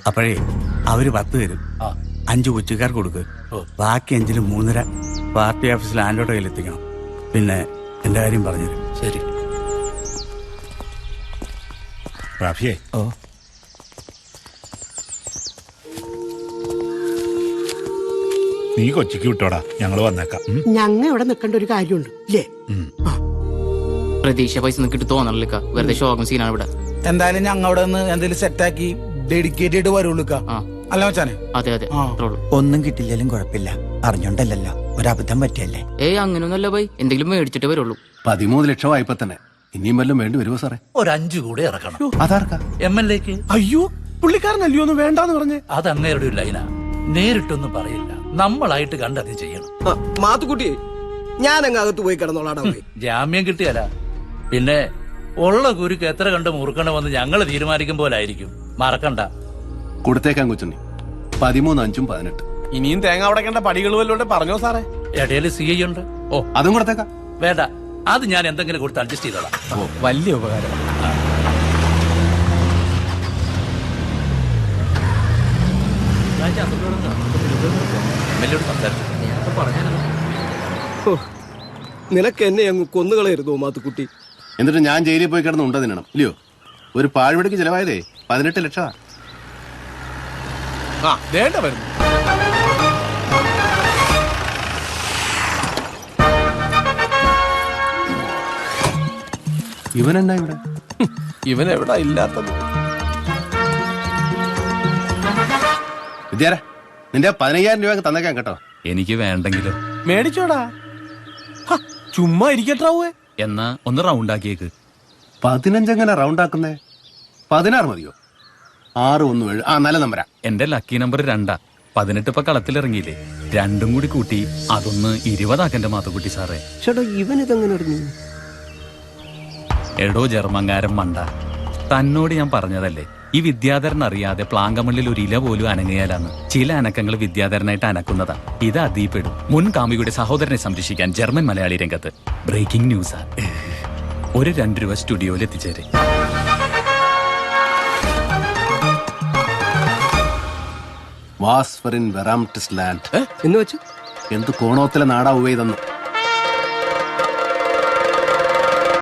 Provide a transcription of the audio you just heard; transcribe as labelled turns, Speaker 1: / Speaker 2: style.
Speaker 1: അപ്പോഴേ അവര് 10 തരും. 5 കൊച്ചിക്കാർക്ക് കൊടുക്ക്. ബാക്കി 5-ൽ 3.5 പാർട്ടി ഓഫീസിൽ ആൻഡോയുടെ കയ്യിൽ എത്തിക്കണം. പിന്നെ എന്റെ കാര്യം പറഞ്ഞുതരും.
Speaker 2: ശരി.
Speaker 3: റാഫിയേ,
Speaker 1: ഓ
Speaker 3: നീ കൊച്ചിക്ക് വിട്ടോടാ, ഞങ്ങള് വന്നേക്കാം.
Speaker 4: ഞങ്ങ ഇവിടെ നിൽക്കേണ്ട ഒരു കാര്യമുണ്ട് ഇല്ലേ?
Speaker 5: പ്രതീക്ഷ പൈസ നിൽക്കിട്ട് തോന്നണില്ല, വെറുതെ ഷോകം സീനാണ് ഇവിടെ.
Speaker 6: എന്തായാലും ഞങ്ങൾ അവിടെ നിന്ന് എന്തെങ്കിലും സെറ്റാക്കി ഡെഡിക്കേറ്റ് ചെയ്ത് വരുള്ളൂ. അല്ല മച്ചാനെ?
Speaker 5: അതെ അതെ.
Speaker 7: ഒന്നും കിട്ടില്ലെങ്കിലും കുഴപ്പമില്ല, അറിഞ്ഞോണ്ടല്ലോ, ഒരബദ്ധം പറ്റിയല്ലേ.
Speaker 5: ഏയ് അങ്ങനൊന്നല്ല ബൈ, എന്തെങ്കിലും മേടിച്ചിട്ടേ വരുള്ളൂ.
Speaker 8: 13 ലക്ഷം വായ്പ തന്നെ. ഇനിയും വല്ലതും വേണ്ടി വരുമോ സാറേ?
Speaker 2: ഒരു 5 കൂടെ ഇറക്കണം.
Speaker 8: അതാർക്കാ?
Speaker 2: MLA-ക്ക്.
Speaker 6: അയ്യോ, പുള്ളിക്കാരനല്ലയോ ഒന്ന് വേണ്ടാന്ന് പറഞ്ഞേ.
Speaker 2: അത് അങ്ങേരുടെ ഒരു ലൈനാ, നേരിട്ടൊന്നും പറയില്ല, നമ്മളായിട്ട് കണ്ടത് ചെയ്യണം.
Speaker 9: മാത്തുക്കുട്ടി, ഞാൻ അങ്ങകത്ത് പോയി കിടന്നോളാടാ.
Speaker 2: ജാമ്യം കിട്ടിയല്ല, പിന്നെ ഉള്ള കുരുക്ക് എത്ര കണ്ട് മുറുക്കണമെന്ന് ഞങ്ങൾ തീരുമാനിക്കും പോലായിരിക്കും. മറക്കണ്ട.
Speaker 8: കൊടുത്തേക്കാൻ കൊച്ചുണ്ണി. 13, 5, 18.
Speaker 9: ഇനിയും തേങ്ങ അടക്കേണ്ട പടികൾ വല്ലോണ്ട് പറഞ്ഞോ സാറേ?
Speaker 2: ഇടയില് CI ഉണ്ട്.
Speaker 8: ഓ, അതും കൊടുത്തേക്കാം.
Speaker 2: വേണ്ട, അത് ഞാൻ എന്തെങ്കിലും കൊടുത്ത് അഡ്ജസ്റ്റ് ചെയ്തോളാം.
Speaker 8: ഓ, വലിയ ഉപകാരം.
Speaker 9: നിനക്ക് എന്നെ അങ്ങ് കൊന്നുകളയരുതോ മാത്തുക്കുട്ടി?
Speaker 8: എന്നിട്ട് ഞാൻ ജയിലിൽ പോയി കിടന്ന് ഉണ്ട തിന്നണം ഇല്ലയോ? ഒരു പാഴ്വടിക്ക് ചെലവായതേ 18 ലക്ഷമാ.
Speaker 9: വേണ്ട വരുന്നു.
Speaker 8: ഇവനെന്നാ ഇവിടെ?
Speaker 9: ഇവനെവിടാ ഇല്ലാത്തത്?
Speaker 8: വിദ്യാര, നിന്റെ 15,000 രൂപ തന്നേക്കാൻ കേട്ടോ.
Speaker 10: എനിക്ക് വേണ്ടെങ്കിലും
Speaker 9: മേടിച്ചോടാ, ചുമ്മാ ഇരിക്കട്ടാവേ.
Speaker 10: എന്നാ ഒന്ന് റൗണ്ട് ആക്കിയേക്ക്.
Speaker 8: 15 എങ്ങനെ റൗണ്ട് ആക്കുന്നേ? 16 മതിയോ? 6, 1, 7. നല്ല നമ്പരാ.
Speaker 10: എന്റെ ലക്കി നമ്പർ 2. 18 ഇപ്പൊ കളത്തിലിറങ്ങിയില്ലേ, 2 കൂടി കൂട്ടി അതൊന്ന് 20 ആക്കന്റെ മാത്തുക്കുട്ടി സാറേ.
Speaker 9: ചേട്ടാ, ഇവനിതെങ്ങനെ അറിഞ്ഞു?
Speaker 10: എടോ ജർമ്മങ്കാരൻ മണ്ട, തന്നോട് ഞാൻ പറഞ്ഞതല്ലേ, ഈ വിദ്യാധരൻ അറിയാതെ പ്ലാങ്കമണ്ണിൽ ഒരു ഇല പോലും അനങ്ങിയാലാന്ന്. ചില അനക്കങ്ങൾ വിദ്യാധരനായിട്ട് അനക്കുന്നതാ. ഇത് അതീപ്പെടും. മുൻ കാമുകിയുടെ സഹോദരനെ സംരക്ഷിക്കാൻ ജർമ്മൻ മലയാളി രംഗത്ത്. ബ്രേക്കിംഗ് ന്യൂസാ. ഒരു 2 രൂപ സ്റ്റുഡിയോയിൽ എത്തിച്ചേരെ.
Speaker 8: വാസ്ഫറിൻ വെറാംറ്റിസ് ലാൻഡ്
Speaker 9: എന്ന് വെച്ച്
Speaker 8: എന്ത് കോണോത്തിലെ നാടാവുകയെന്നു